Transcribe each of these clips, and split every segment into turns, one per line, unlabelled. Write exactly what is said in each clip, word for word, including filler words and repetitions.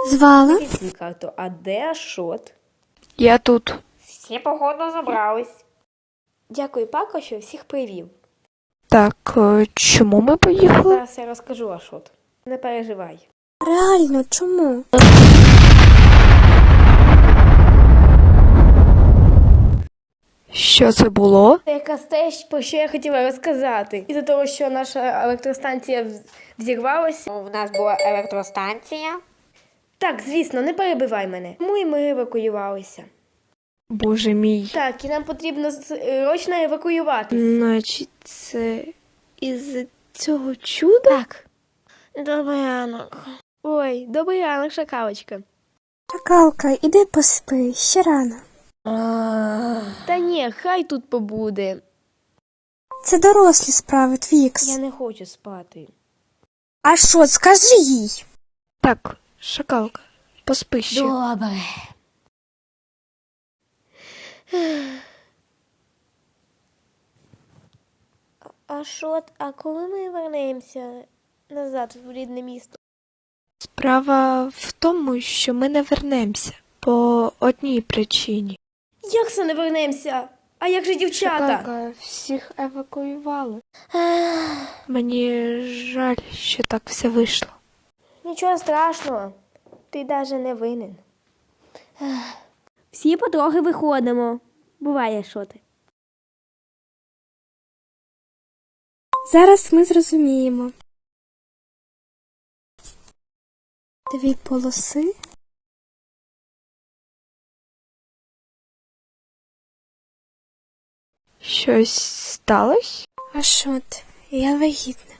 Звала?
Свій карту. А де Ашот?
Я тут.
Всі походу забрались. Дякую, Пако, що всіх привів.
Так, е, чому ми поїхали?
Зараз я розкажу, Ашот. Не переживай.
Реально, чому?
Що це було?
Це якраз те, про що я хотіла розказати. Із-за того, що наша електростанція вз- взірвалася.
У нас була електростанція.
Так, звісно, не перебивай мене. Тому і ми евакуювалися.
Боже мій.
Так, і нам потрібно срочно евакуюватися.
Значить, це із цього чуда?
Так. Добрий ранок. Ой, добрий ранок, шакалочка.
Шакалка, іди поспи, ще рано.
Та ні, хай тут побуде.
Це дорослі справи, Твікс.
Я не хочу спати.
А що, скажи їй?
Так, шакалка, поспи ще.
Добре. А що, а коли ми вернемося назад в рідне місто?
Справа в тому, що ми не вернемося по одній причині.
Як це не вернемося? А як же дівчата?
Шакалка, всіх евакуювали. Мені жаль, що так все вийшло.
Нічого страшного, ти навіть не винен. Всі потрохи виходимо. Буває, що ти.
Зараз ми зрозуміємо. Дві полоси.
Щось сталося?
А що ти? Я вагітна.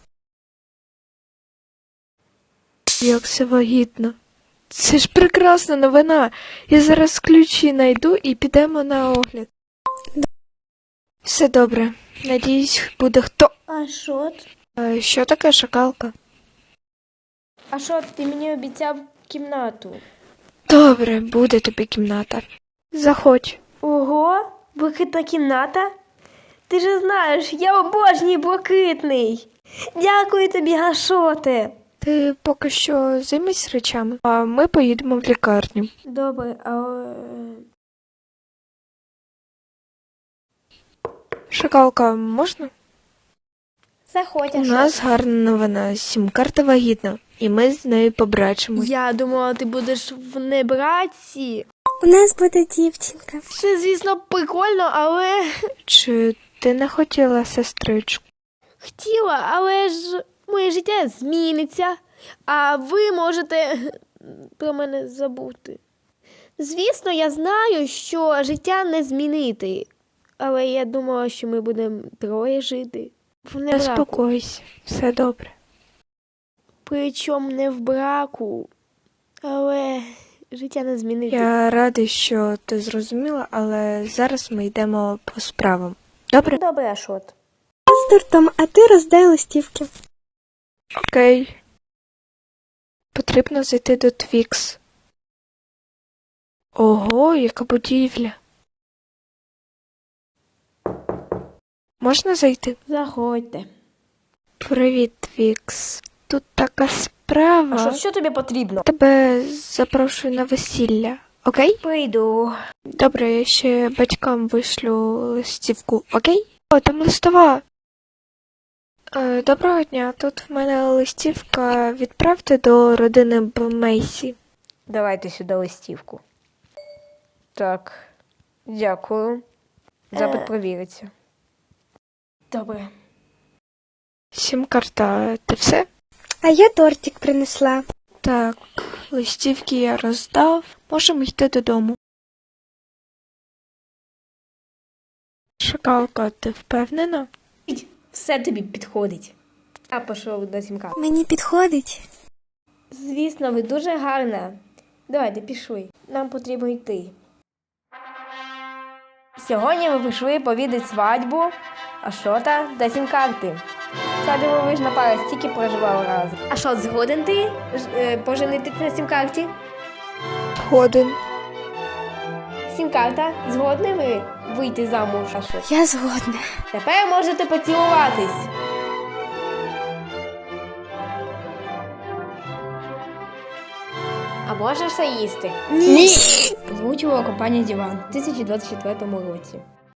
Як це вагітно. Це ж прекрасна новина. Я зараз ключі знайду і підемо на огляд. Все добре. Надіюсь, буде хто.
А що?
Е, Що таке шакалка?
А що, ти мені обіцяв кімнату?
Добре, буде тобі кімната. Заходь.
Ого, блакитна кімната? Ти ж знаєш, я обожнюю блакитний. Дякую тобі, Гашоте.
Ти поки що займись речами, а ми поїдемо в лікарню.
Добре, а... е,
Шакалка, можна?
Заходь,
У
Ашот.
нас гарна новина. Сім-карта вагітна, і ми з нею побрачимось.
Я думала, ти будеш в небраці.
У нас буде дівчинка.
Це, звісно, прикольно, але...
Чи ти не хотіла сестричку?
Хотіла, але ж моє життя зміниться, а ви можете про мене забути. Звісно, я знаю, що життя не змінити, але я думала, що ми будемо троє жити. В
Не
небраку.
спокойся, все добре.
Причому не в браку, але життя не змінити.
Я радий, що ти зрозуміла, але зараз ми йдемо по справам. Добре?
Добре, Ашот.
З дуртом, а ти роздай листівки.
Окей. Потрібно зайти до Твікс. Ого, яка будівля. Можна зайти?
Заходьте.
Привіт, Твікс. Тут така справа.
Ашот, що тобі потрібно?
Тебе запрошую на весілля. Окей?
Прийду.
Добре, я ще батькам вишлю листівку, окей? О, там листова. Е, доброго дня, тут в мене листівка. Відправте до родини Бмейсі.
Давайте сюди листівку. Так, дякую. Запит
Е.
провіриться. Добре.
Сім-карта, ти все?
А я тортик принесла.
Так, листівки я роздав. Можемо йти додому. Шакалка, ти впевнена?
Все тобі підходить. Я пішов до сімка.
Мені підходить.
Звісно, ви дуже гарна. Давайте, пішли. Нам потрібно йти. Сьогодні ми пішли повідати свадьбу Ашота та сім-карти. Ця дивовижна пара стільки проживала разом. Ашот, згоден ти ж- е, поженитися на сім-карті?
Годин.
Сім-карта, згодні ви вийти замуж, Ашот?
Я згодна.
Тепер можете поцілуватись. Або
Можна все їсти.
Озвучувала компанія Діван у дві тисячі двадцять четвертому році.